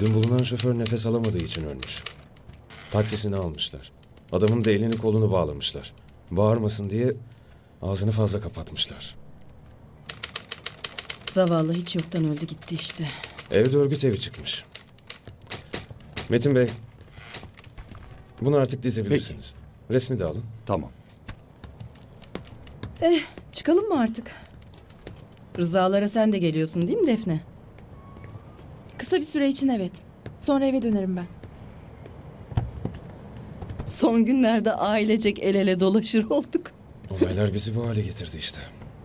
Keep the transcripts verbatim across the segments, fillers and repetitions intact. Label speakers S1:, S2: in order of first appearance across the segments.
S1: Dün bulunan şoför nefes alamadığı için ölmüş. Taksisini almışlar. Adamın da elini kolunu bağlamışlar. Bağırmasın diye ağzını fazla kapatmışlar.
S2: Zavallı hiç yoktan öldü gitti işte.
S1: Evde örgüt evi çıkmış. Metin Bey, bunu artık dizebilirsiniz. Resmi de alın.
S3: Tamam.
S2: Eh, çıkalım mı artık? Rızalara sen de geliyorsun değil mi Defne?
S4: Kısa bir süre için evet. Sonra eve dönerim ben.
S2: Son günlerde ailecek el ele dolaşır olduk.
S1: Olaylar bizi bu hale getirdi işte.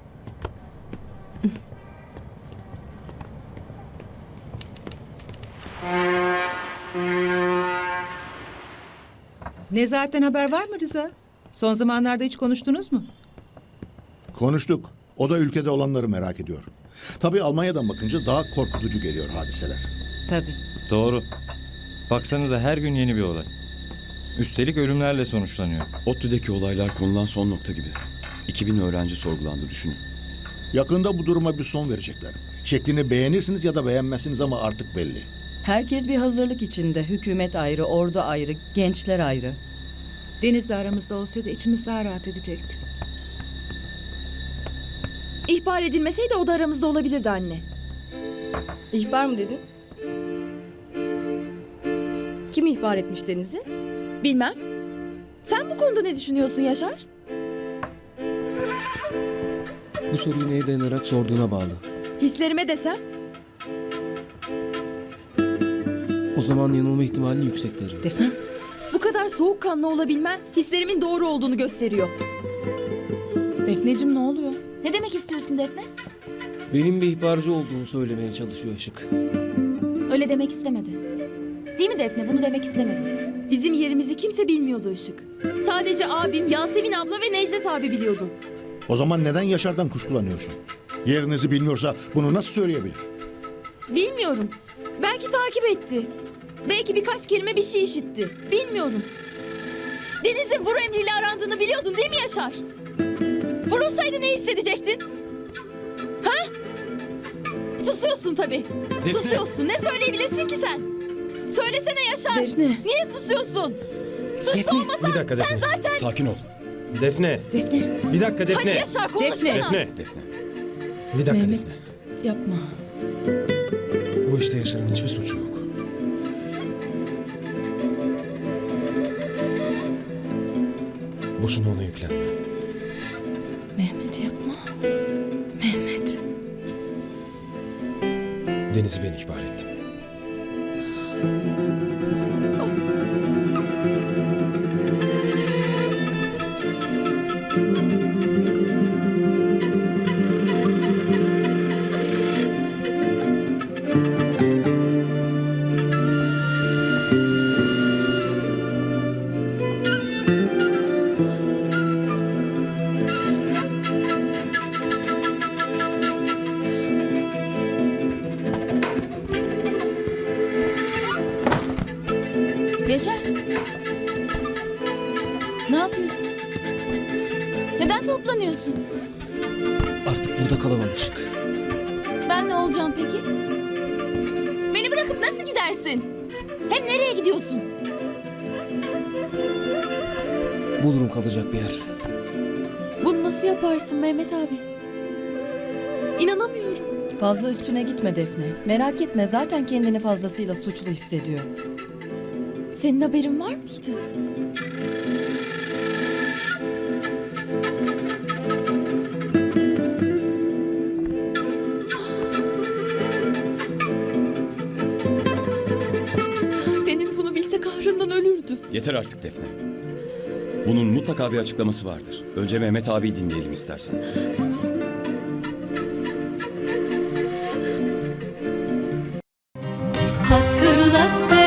S5: Nezahat'ten haber var mı Rıza? Son zamanlarda hiç konuştunuz mu?
S3: Konuştuk. O da ülkede olanları merak ediyor. Tabii Almanya'dan bakınca daha korkutucu geliyor hadiseler.
S5: Tabii.
S6: Doğru. Baksanıza her gün yeni bir olay. Üstelik ölümlerle sonuçlanıyor.
S7: ODTÜ'deki olaylar konulan son nokta gibi. iki bin öğrenci sorgulandı düşünün.
S3: Yakında bu duruma bir son verecekler. Şeklini beğenirsiniz ya da beğenmezsiniz ama artık belli.
S2: Herkes bir hazırlık içinde. Hükümet ayrı, ordu ayrı, gençler ayrı.
S5: Deniz de aramızda olsaydı içimiz daha rahat edecekti.
S4: İhbar edilmeseydi o da aramızda olabilirdi anne.
S8: İhbar mı dedin? Kim ihbar etmiş Deniz'i?
S4: Bilmem. Sen bu konuda ne düşünüyorsun Yaşar?
S9: Bu soruyu neye dayanarak sorduğuna bağlı.
S4: Hislerime desem?
S9: O zaman yanılma ihtimali yüksek derim.
S5: Defne?
S4: Bu kadar soğukkanlı olabilmen hislerimin doğru olduğunu gösteriyor. Defneciğim ne oluyor?
S10: Ne demek istiyorsun Defne?
S9: Benim bir ihbarcı olduğumu söylemeye çalışıyor Işık.
S10: Öyle demek istemedi. Değil mi Defne? Bunu demek istemedi.
S4: Bizim yerimizi kimse bilmiyordu Işık. Sadece abim, Yasemin abla ve Necdet abi biliyordu.
S3: O zaman neden Yaşar'dan kuşkulanıyorsun? Yerinizi bilmiyorsa bunu nasıl söyleyebilir?
S4: Bilmiyorum. Belki takip etti. Belki birkaç kelime bir şey işitti. Bilmiyorum. Deniz'in vur emriyle arandığını biliyordun değil mi Yaşar? Vurulsaydı ne hissedecektin? Ha? Susuyorsun tabii.
S1: Defne.
S4: Susuyorsun. Ne söyleyebilirsin ki sen? Söylesene Yaşar.
S2: Defne.
S4: Niye susuyorsun? Suçlu olmasan
S1: Bir dakika
S4: sen
S1: Defne.
S4: zaten...
S7: Sakin ol.
S1: Defne.
S5: Defne.
S1: Bir dakika Defne.
S4: Hadi Yaşar konuşsana.
S1: Defne.
S7: Defne.
S1: Bir dakika
S2: Mehmet.
S1: Defne.
S2: Yapma.
S1: Bu işte Yaşar'ın hiçbir suçu yok. Boşuna ona yüklenme.
S2: Mehmet yapma. Mehmet.
S1: Deniz'i ben ihbar ettim.
S10: Yaşar. Ne yapıyorsun? Neden toplanıyorsun?
S9: Artık burada kalamam Işık.
S10: Ben ne olacağım peki? Beni bırakıp nasıl gidersin? Hem nereye gidiyorsun?
S9: Bulurum kalacak bir yer.
S4: Bunu nasıl yaparsın Mehmet abi? İnanamıyorum.
S2: Fazla üstüne gitme Defne. Merak etme zaten kendini fazlasıyla suçlu hissediyor.
S4: Senin haberin var mıydı? Deniz bunu bilse kahrından ölürdü.
S7: Yeter artık Defne. Bunun mutlaka bir açıklaması vardır. Önce Mehmet abiyi dinleyelim istersen.
S10: Hatırla sen.